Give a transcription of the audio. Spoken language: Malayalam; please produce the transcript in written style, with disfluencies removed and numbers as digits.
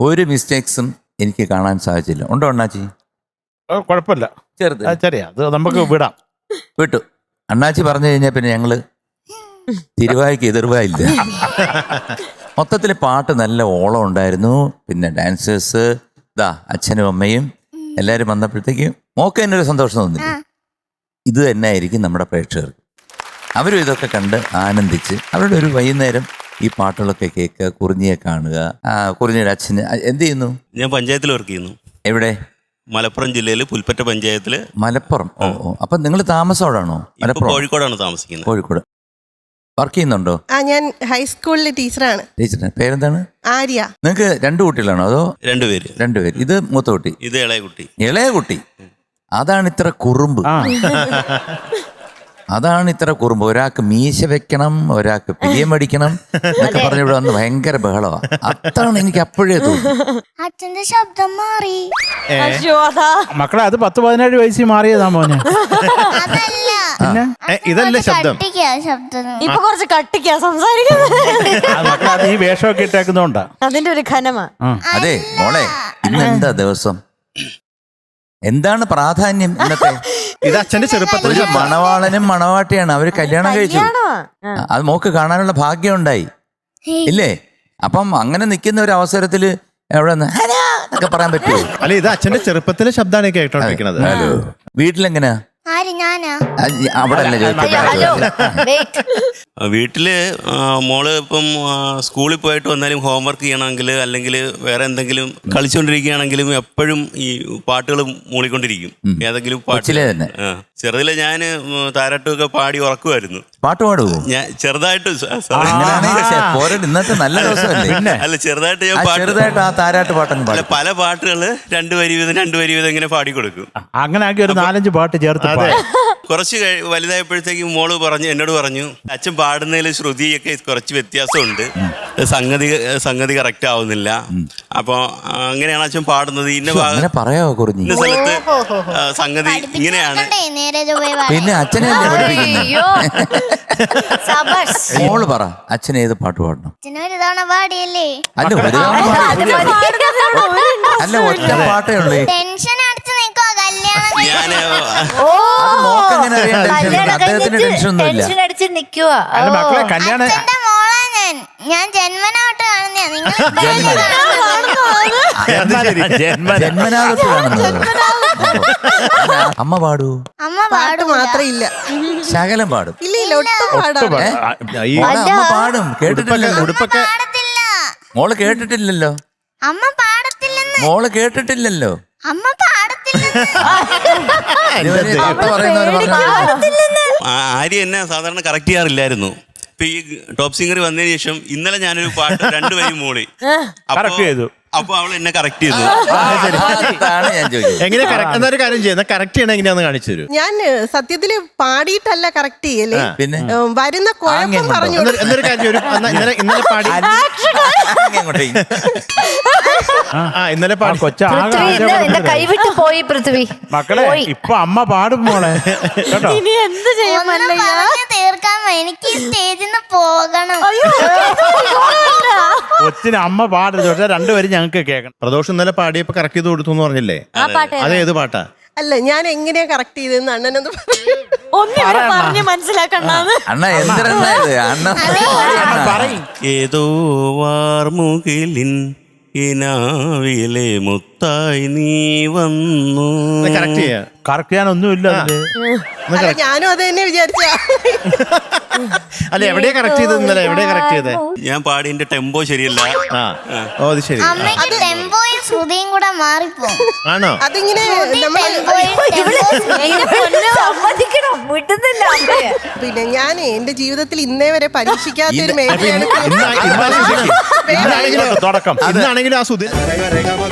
ഒരു മിസ്റ്റേക്സും എനിക്ക് കാണാൻ സാധിച്ചില്ല. ഉണ്ടോ അണ്ണാച്ചി? കുഴപ്പമില്ല, ചെറുത് ചെറിയ അത് നമുക്ക് വിടാം. വിട്ടു. അണ്ണാച്ചി പറഞ്ഞു കഴിഞ്ഞാൽ പിന്നെ ഞങ്ങള് തിരുവായ്ക്ക് എതിർവായില്ല. മൊത്തത്തിൽ പാട്ട് നല്ല ഓളം ഉണ്ടായിരുന്നു. പിന്നെ ഡാൻസേഴ്സ് അച്ഛനും അമ്മയും എല്ലാവരും വന്നപ്പോഴത്തേക്ക് മോക്ക് തന്നെ ഒരു സന്തോഷം തോന്നില്ല. ഇത് തന്നെ ആയിരിക്കും നമ്മുടെ പ്രേക്ഷകർക്ക്. അവരും ഇതൊക്കെ കണ്ട് ആനന്ദിച്ച് അവരുടെ ഒരു വൈകുന്നേരം ഈ പാട്ടുകളൊക്കെ കേൾക്കുക, കുറിഞ്ഞിയെ കാണുക. കുറിഞ്ഞിയുടെ അച്ഛന് എന്ത് ചെയ്യുന്നു? ഞാൻ പഞ്ചായത്തിൽ വർക്ക് ചെയ്യുന്നു. എവിടെ? മലപ്പുറം ജില്ലയിൽ പുൽപ്പറ്റ പഞ്ചായത്തില്. മലപ്പുറം. ഓ അപ്പൊ നിങ്ങൾ താമസോടാണോ? മലപ്പുറം, കോഴിക്കോടാണ് താമസിക്കുന്നത്. കോഴിക്കോട്. വർക്ക് ചെയ്യുന്നുണ്ടോ? ഞാൻ ഹൈസ്കൂളിലെ ടീച്ചറാണ്. ടീച്ചറിന് പേരെന്താണ്? ആര്യ. നിങ്ങൾക്ക് 2 കുട്ടികളാണോ അതോ? രണ്ടുപേര്. ഇത് മൂത്ത കുട്ടി, ഇത് ഇളയ കുട്ടി. ഇളയ കുട്ടി. അതാണ് ഇത്ര കുറുമ്പ്. അതാണ് ഇത്ര കുറുമ്പ്. ഒരാൾക്ക് മീശ വെക്കണം, ഒരാൾക്ക് പിരിയം അടിക്കണം എന്നൊക്കെ പറഞ്ഞ ഇവിടെ വന്ന് ഭയങ്കര ബഹളമാണ്. അതാണ് എനിക്ക് അപ്പോഴേ തോന്നുന്നു. അച്ഛന്റെ ശബ്ദം മാറി. മക്കളെ അത് 10-17 വയസ്സിൽ മാറിയതാ മോനെ. ഇതല്ലേ ശബ്ദം? ഇപ്പൊ കുറച്ച് കട്ടിക്കാ സംസാരിക്കുന്നത്. മക്കളെ അത് ഈ വേഷമൊക്കെ ഇട്ടേക്കുന്നോണ്ടാ. അതിന്റെ ഒരു ഘനമാ. അതെ മോളെ, ഇന്നെന്താ ദിവസം? എന്താണ് പ്രാധാന്യം ഇന്നത്തെ? ഇത് അച്ഛന്റെ ചെറുപ്പത്തിൽ ഒരു മണവാളനും മണവാട്ടിയാണ്. അവര് കല്യാണം കഴിച്ചു. അത് മോക്ക് കാണാനുള്ള ഭാഗ്യം ഉണ്ടായി ഇല്ലേ? അപ്പം അങ്ങനെ നിൽക്കുന്ന ഒരു അവസരത്തില് എവിടെ എന്നൊക്കെ പറയാൻ പറ്റുമോ? അല്ല, ഇത് അച്ഛന്റെ ചെറുപ്പത്തിലെ ശബ്ദമാണ് കേട്ടോണ്ടിരിക്കുന്നത്. ഹലോ, വീട്ടിലെങ്ങനെയാ? അവിടെ വീട്ടില് മോള് ഇപ്പം സ്കൂളിൽ പോയിട്ട് വന്നാലും ഹോംവർക്ക് ചെയ്യണമെങ്കിൽ അല്ലെങ്കിൽ വേറെ എന്തെങ്കിലും കളിച്ചുകൊണ്ടിരിക്കുകയാണെങ്കിലും എപ്പോഴും ഈ പാട്ടുകൾ മൂളിക്കൊണ്ടിരിക്കും. ഏതെങ്കിലും പാട്ടിലെ തന്നെ. ചെറുതിലെ ഞാൻ താരാട്ടൊക്കെ പാടി ഉറക്കുമായിരുന്നു. പാട്ട് പാടുവോ? ഞാൻ ചെറുതായിട്ട് ഇന്നത്തെ നല്ല ദിവസമല്ലേ? അല്ല, ചെറുതായിട്ട് ഞാൻ ചെറുതായിട്ട് ആ താരാട്ട് പാട്ടൊന്നും അല്ല, പല പാട്ടുകള് 2 വരി വീതം ഇങ്ങനെ പാടിക്കൊടുക്കും. അങ്ങനെ ആക്കി ഒരു 4-5 പാട്ട് ചേർത്ത്. കുറച്ച് വലുതായപ്പോഴത്തേക്കും മോള് എന്നോട് പറഞ്ഞു, അച്ഛൻ പാടുന്നതിൽ ശ്രുതിയൊക്കെ കുറച്ച് വ്യത്യാസമുണ്ട്, സംഗതി കറക്റ്റ് ആവുന്നില്ല. അപ്പൊ അങ്ങനെയാണ് അച്ഛൻ പാടുന്നത്. ഇന്ന പറയാവോ? ഇന്ന സ്ഥലത്ത് സംഗതി ഇങ്ങനെയാണ്. പിന്നെ അച്ഛനെ മോള് പറ, അച്ഛൻ ഏത് പാട്ട് പാടണം? അല്ല, ഒരു അല്ല, ഒറ്റ പാട്ടേ ഉള്ളൂ. അദ്ദേഹത്തിന് ടെൻഷൻ ഒന്നുമില്ല. മക്കളെ കല്യാണം ഞാൻ ജന്മനാട്ട് ജന്മനാഥത്ത് കാണുന്നത്. അമ്മ പാടൂ? അമ്മ പാട്ട് മാത്രം ഇല്ല, ശകലം പാടും. ഇല്ല ഒട്ടും അമ്മ പാടും. കേട്ടിട്ടില്ലല്ലോ? ഉടുപ്പൊക്കെ മോള് കേട്ടിട്ടില്ലല്ലോ? അമ്മ പാടത്തില്ലെന്ന്. മോള് കേട്ടിട്ടില്ലല്ലോ? അമ്മ പാടത്തില്ലെന്ന്. ആര്യ എന്നെ സാധാരണ കറക്റ്റ് ചെയ്യാറില്ലായിരുന്നു. ഇപ്പൊ ഈ ടോപ്പ് സിംഗർ വന്നതിന് ശേഷം ഇന്നലെ ഞാനൊരു പാട്ട് 2 വരി മൂളി. അപ്പൊ അവൾ എന്നെ കറക്റ്റ് ചെയ്തു. എങ്ങനെ എന്നൊരു കാര്യം ചെയ്യുന്ന കറക്റ്റ് ചെയ്യണം എങ്ങനെയാന്ന് കാണിച്ചു തരൂ. ഞാൻ സത്യത്തില് പാടിയിട്ടല്ല കറക്റ്റ് ചെയ്യല്ലേ, പിന്നെ വരുന്ന കുഴപ്പം പറഞ്ഞു. എന്നൊരു കാര്യം ഇന്നലെ പാടി ഇന്നലെ പാടി കൈവിട്ട് പോയി പൃഥ്വി. മക്കളെ ഇപ്പൊ അമ്മ പാടും മോളെ. ഇനി എന്ത് ചെയ്യും? തീർക്കാൻ എനിക്ക് സ്റ്റേജിൽ നിന്ന് പോകണം. കൊച്ചിന് അമ്മ പാടും. 2 വരി ഞങ്ങൾക്ക് കേൾക്കണം. പ്രദോഷം ഇന്നലെ പാടിയപ്പോ കറക്റ്റ് ചെയ്ത് കൊടുത്തു എന്ന് പറഞ്ഞില്ലേ? അത് ഏത് പാട്ടാ? അല്ല, ഞാൻ എങ്ങനെയാ കറക്റ്റ് ചെയ്തെന്ന് അണ്ണനൊന്ന് പറഞ്ഞ് മനസ്സിലാക്കണ്ടാന്ന്. അണ്ണ എന്തിനാ പറയും. ഏതോ വാർമുകിലിൻ ഇനാവിലെ മുത്തായി നീ വന്നു. കറക്റ്റ് ചെയ്യാ. കറക്റ്റ് ചെയ്യാനൊന്നുമില്ല. ഞാനും അത് തന്നെ വിചാരിച്ച. അല്ല, എവിടെയാ കറക്റ്റ് ചെയ്തത്? ഇന്നലെ എവിടെയാ കറക്റ്റ് ചെയ്തേ? ഞാൻ പാടിന്റെ ടെമ്പോ ശരിയല്ല. ഓ, അത് ശരി. ടെമ്പോയും ശ്രുതിയും കൂടെ മാറിപ്പോ. ആണോ? അതിങ്ങനെ പിന്നെ ഞാൻ എന്റെ ജീവിതത്തിൽ ഇന്നേ വരെ പരീക്ഷിക്കാത്ത ഒരു മേഖലയാണ്. ഇന്നാണെങ്കിലും ആ സുധീർ